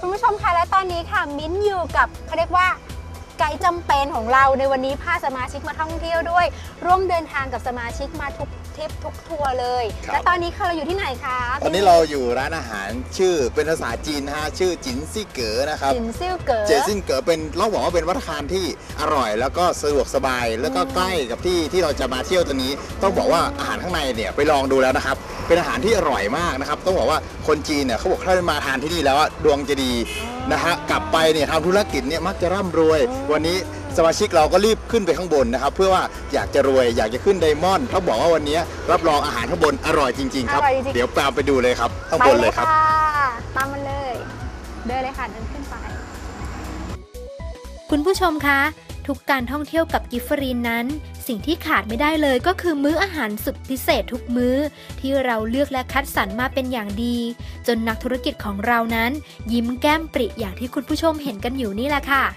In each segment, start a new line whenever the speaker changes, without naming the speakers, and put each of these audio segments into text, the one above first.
คุณผู้ชมคะและตอนนี้ค่ะมิ้นอยู่กับเขาเรียกว่าไกด์จำเป็นของเราในวันนี้พาสมาชิกมาท่องเที่ยวด้วยร่วมเดินทางกับสมาชิกมาทุกทริปทุกทัวร์เลยและตอนนี้ค่ะเราอยู่ที่ไหนคะ
ตอนนี้เราอยู่ร้านอาหารชื่อเป็นภาษาจีนนะฮะชื่อจินซี่เก๋อนะครับ
จินซี่เก๋อ
เจซินเก๋อเป็นเราบอกว่าเป็นวัฒนธรรมที่อร่อยแล้วก็สะดวกสบายแล้วก็ใกล้กับที่เราจะมาเที่ยวตัวนี้ต้องบอกว่าอาหารข้างในเนี่ยไปลองดูแล้วนะครับเป็นอาหารที่อร่อยมากนะครับต้องบอกว่าคนจีนเนี่ยเขาบอกถ้ามาทานที่นี่แล้วดวงจะดีนะฮะกลับไปเนี่ยทำธุรกิจเนี่ยมักจะร่ำรวยวันนี้สมาชิกเราก็รีบขึ้นไปข้างบนนะครับเพื่อว่าอยากจะรวยอยากจะขึ้นไดมอนด์เขาบอกว่าวันนี้รับรองอาหารข้างบนอร่อยจริงๆครับเดี๋ยวตามไปดูเลยครับข้างบนเลยครับ
ตามมันเลยเดินเลยค่ะเดินขึ้นไป
คุณผู้ชมคะทุกการท่องเที่ยวกับกิฟฟรีนนั้นสิ่งที่ขาดไม่ได้เลยก็คือมื้ออาหารสุดพิเศษทุกมื้อที่เราเลือกและคัดสรรมาเป็นอย่างดีจนนักธุรกิจของเรานั้นยิ้มแก้มปริอย่างที่คุณผู้ชมเห็นกันอยู่นี่แหละค่ะ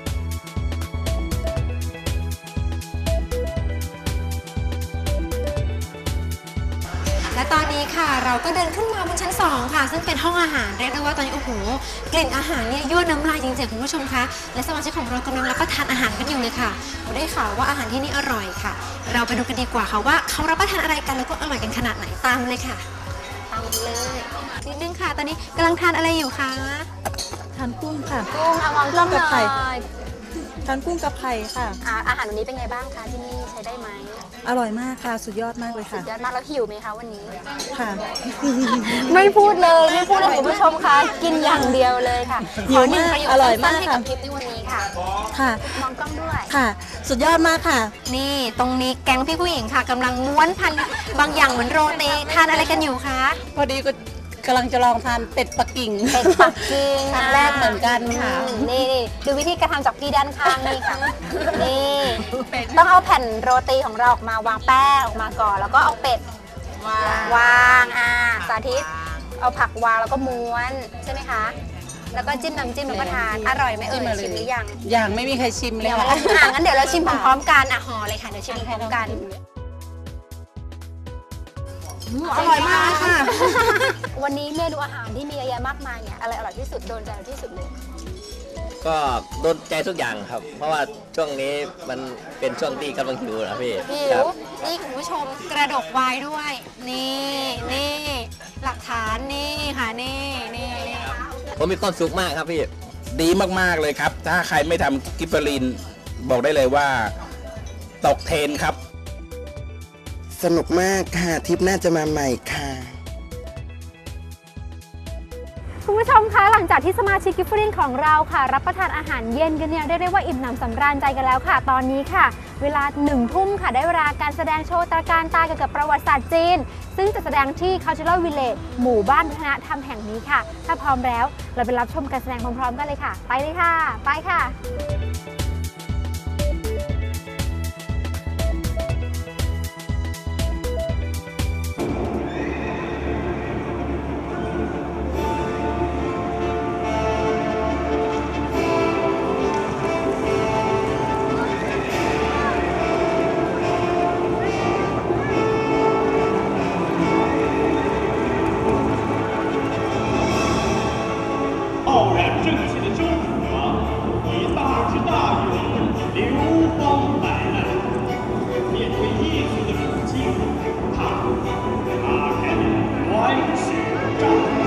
และตอนนี้ค่ะเราก็เดินขึ้นมาบนชั้น2ค่ะซึ่งเป็นห้องอาหารเรียกได้ว่าตอนนี้โอ้โหกลิ่นอาหารเนี่ยยั่วน้ำลายจริงๆคุณผู้ชมคะและสมาชิกของเรากำลังรับประทานอาหารกันอยู่เลยค่ะได้ข่าวว่าอาหารที่นี่อร่อยค่ะเราไปดูกันดีกว่าค่ะว่าเขารับประทานอะไรกันแล้วก็อร่อยกันขนาดไหนตามเลยค่ะตามเลยนิดนึงค่ะตอนนี้กำลังทานอะไรอยู่คะ
ทานกุ้งค่ะ
กุ้งมองกล้องหน่อย
ทานกุ้งกับไข่ค่ะ
อาหารวันนี้เป็นไงบ้างคะที่นี่ใช้ได้ไหม
อร่อยมากค่ะสุดยอดมากเลยค่ะ
สุดยอดมากแล้วหิวไหมคะวันนี้
ค่ะ
ไม่พูดเลยคุณผู้ชมคะกินอย่างเดียวเลยค่ะ
หิวมากอร่อยมากค่ะ
คลิปในวันนี้ค่ะ
ค่ะ
มองกล้องด้วย
ค่ะสุดยอดมากค่ะ
นี่ตรงนี้แก๊งพี่ผู้หญิงค่ะกำลังม้วนพันบางอย่างเหมือนโรตีทานอะไรกันอยู่คะ
พอดีก็กำลังจะลองทานเป็ดปักกิ่งครั้งแรกเหมือนกันค่ะ
นี่ดูวิธีการทำจากพี่ด้านข้างนี่ค่ะนี่ต้องเอาแผ่นโรตีของเราออกมาวางแป้งออกมาก่อนแล้วก็เอาเป็ดวางสาธิตเอาผักวางแล้วก็ม้วนใช่ไหมคะแล้วก็จิ้มน้ำจิ้มแล้วก็ทานอร่อยไหมชิมหรือยัง
ยังไม่มีใครชิมเลย
ค่ะงั้นเดี๋ยวเราชิมพร้อมๆกันห่อเลยค่ะเดี๋ยวชิมพร้อมกันอร่อยมากค่ะวันนี้เมนูอาหารที่มีเยอะแยะมากมายเนี่ยอะไรอร่อยที่สุดโดนใจที่สุดเลย
ก็โดนใจทุกอย่างครับเพราะว่าช่วงนี้มันเป็นช่วงที่กำลังหิวนะพี่
หิวนี่คุณผู้ชมกระดกไวน์ด้วยนี่หลักฐานนี่ค่ะนี่
ผมมีความสุขมากครับพี่
ดีมากๆเลยครับถ้าใครไม่ทำกิฟเฟอรีนบอกได้เลยว่าตกเทรนครับ
สนุกมากค่ะทริปหน้าจะมาใหม่ค่ะ
คุณผู้ชมคะหลังจากที่สมาชิกกิฟฟรีนของเราค่ะรับประทานอาหารเย็นกันเนี่ยได้ว่าอิ่มหนำสำราญใจกันแล้วค่ะตอนนี้ค่ะเวลา1 ทุ่มค่ะได้เวลาการแสดงโชว์ตระการตาเกี่ยวกับประวัติศาสตร์จีนซึ่งจะแสดงที่ Cultural Village หมู่บ้านวัฒนธรรมแห่งนี้ค่ะถ้าพร้อมแล้วเราไปรับชมการแสดงพร้อมๆกันเลยค่ะไปเลยค่ะไปค่ะ
傲然正气的周武王以大智大勇流芳百烂，面对异族的入侵，他打开了乱世战争。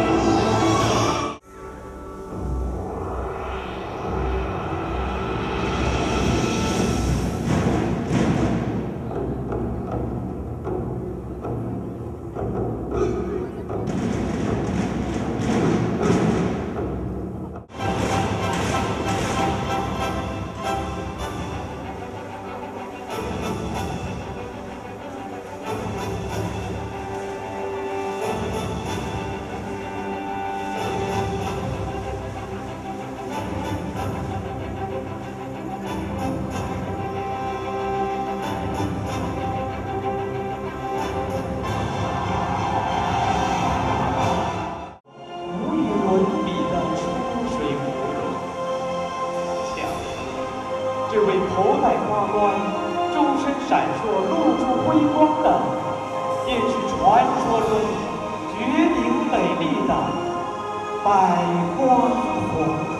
这位头戴花冠、周身闪烁、露出辉光的，便是传说中绝顶美丽的百花红客。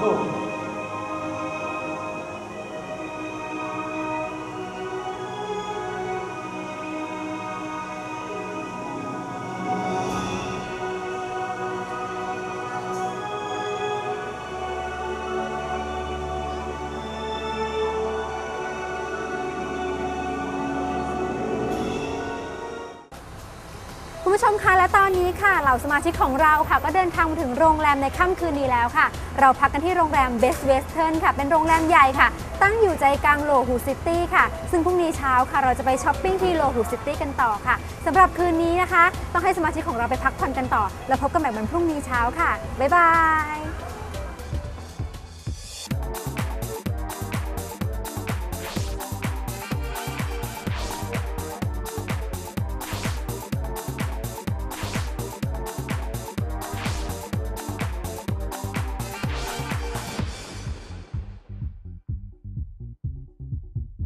คุณผู้ชมคะและตอนนี้ค่ะเหล่าสมาชิกของเราค่ะก็เดินทางมาถึงโรงแรมในค่ำคืนนี้แล้วค่ะ เราพักกันที่โรงแรม Best Western ค่ะเป็นโรงแรมใหญ่ค่ะตั้งอยู่ใจกลางโลหูซิตี้ค่ะซึ่งพรุ่งนี้เช้าค่ะเราจะไปช้อปปิ้งที่โลหูซิตี้กันต่อค่ะสำหรับคืนนี้นะคะต้องให้สมาชิกของเราไปพักผ่อนกันต่อแล้วพบกันใหม่วันพรุ่งนี้เช้าค่ะบ๊ายบาย